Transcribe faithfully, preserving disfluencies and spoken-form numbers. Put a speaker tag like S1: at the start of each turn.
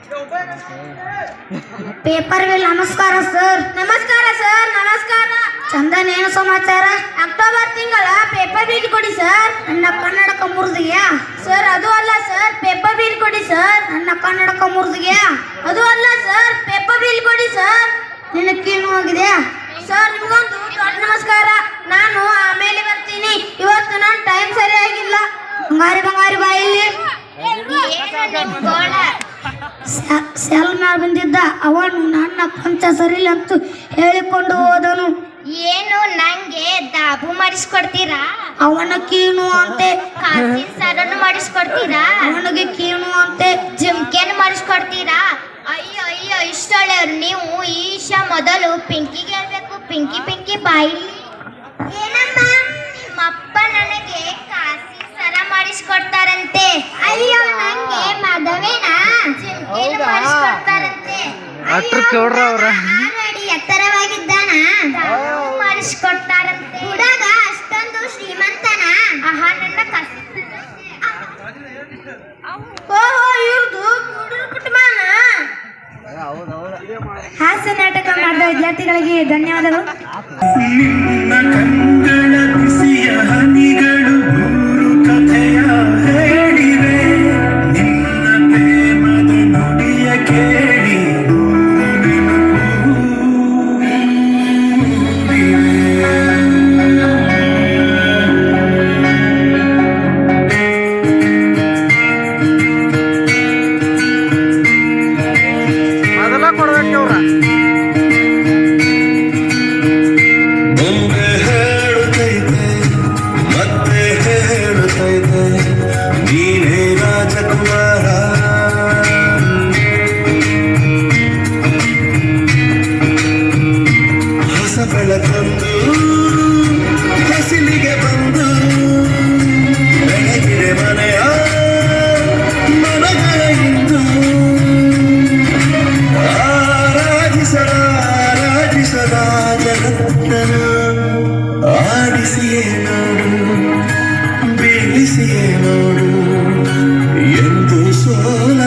S1: Paper ವೇಲ್ ನಮಸ್ಕಾರ sir.
S2: ನಮಸ್ಕಾರ ಸರ್. ನಮಸ್ಕಾರ.
S1: ಚಂದನ್ ಏನು ಸಮಾಚಾರ?
S2: ಅಕ್ಟೋಬರ್ ತಿಂಗಳ ಪೇಪರ್ ಬಿಲ್ ಕೊಡಿ ಸರ್.
S1: ನನ್ನ ಕನ್ನಡಕ ಮುರಿದಿಯಾ
S2: ಸರ್? ಅದು ಅಲ್ಲ ಸರ್, ಪೇಪರ್ ಬಿಲ್ ಕೊಡಿ ಸರ್.
S1: ನನ್ನ ಕನ್ನಡಕ ಮುರಿದಿಯಾ
S2: ಅದು ಅಲ್ಲ ಸರ್, ಪೇಪರ್ ಬಿಲ್ ಕೊಡಿ ಸರ್.
S1: ನಿನ್ನ ಕೀನು ಹೋಗಿದೆ
S2: ಸರ್. ನಿಮ್ಗೊಂದು ದೊಡ್ಡ ನಮಸ್ಕಾರ. ನಾನು ಆಮೇಲೆ ಬರ್ತೀನಿ. ಇವತ್ತು ನನ್ನ ಟೈಮ್ ಸರಿಯಾಗಿಲ್ಲ.
S1: ಬಂಗಾರಿ ಬಂಗಾರಿ ಬಾಯಲ್ಲಿ ಸೆಲ್ ಮ್ಯಾಲ ಬಂದಿದ್ದ ಅವನು ನನ್ನ ಪಂಚ ಸರಿಲ್ಲ ಅಂತ ಹೇಳಿಕೊಂಡು ಹೋದನು.
S2: ಏನು ನಂಗೆ ದಾಬು ಮಾಡಿಸ್ಕೊಡ್ತೀರಾ?
S1: ಅವನ ಕೀನು ಅಂತೆ.
S2: ಕಾಸಿನ ಸರನ್ನು ಮಾಡಿಸ್ಕೊಡ್ತೀರಾ?
S1: ಅವನಿಗೆ ಕೀನು ಅಂತೆ.
S2: ಜಿಮ್ಕೆನ್ ಮಾಡಿಸ್ಕೊಡ್ತೀರಾ? ಅಯ್ಯೋ ಅಯ್ಯೋ ಇಷ್ಟೊಳ್ಳೆಯವ್ರು ನೀವು. ಈಶ ಮೊದಲು ಪಿಂಕಿಗೆ ಹೇಳ್ಬೇಕು. ಪಿಂಕಿ ಪಿಂಕಿ ಬಾಯಿ. ಏನಮ್ಮ? ನಿಮ್ಮಪ್ಪ ನನಗೆ ಕಾಸಿನ ಸರ ಮಾಡಿಸ್ಕೊಡ್ತಾರಂತೆ. ಅಯ್ಯೋ ನಂಗೆ ಮದುವೆನ ಜಿಮ್ಕೆನ್ ಮಾಡಿಸ್ಕೊಡ್ತಾರಂತೆ. ಆಲ್ರೆಡಿ ಎತ್ತರವಾಗಿದ್ದಾನ ಮಾಡಿಸ್ಕೊಡ್ತಾರಂತೆ. ಹುಡುಗ ಅಷ್ಟೊಂದು ಶ್ರೀಮಂತನ? ಆಹಾ ನನ್ನ ಕಸ. ಓಹೋ ಇವ್ರದು ಕುಟುಂಬನ.
S1: ಹಾಸ್ಯ ನಾಟಕ ಮಾಡಿದ ವಿದ್ಯಾರ್ಥಿಗಳಿಗೆ ಧನ್ಯವಾದಗಳು.
S3: ನಿನ್ನ ಕಂಗಳ ಬಿಸಿಯ ಹನಿಗಳು ಮೂರು ಕಥೆಯ ಹೇಳಿವೆ. ನಿನ್ನ ಪ್ರೇಮದ ನುಡಿಯ ಕೇಳಿ ಬೆಳಕಂದು ಹಸಿಲಿಗೆ ಬಂದು ಬೆಳಗಿರೆ ಮನೆಯ ಮನಗಳ ಇಂದು ಆರಾಧಿಸದ ಆರಾಧಿಸದ ಜಗತ್ತನ ಆಡಿಸಿಯೇ ನೋಡು ಬೀಳಿಸಿಯೇ ನೋಡು ಎಂದು ಸೋಲ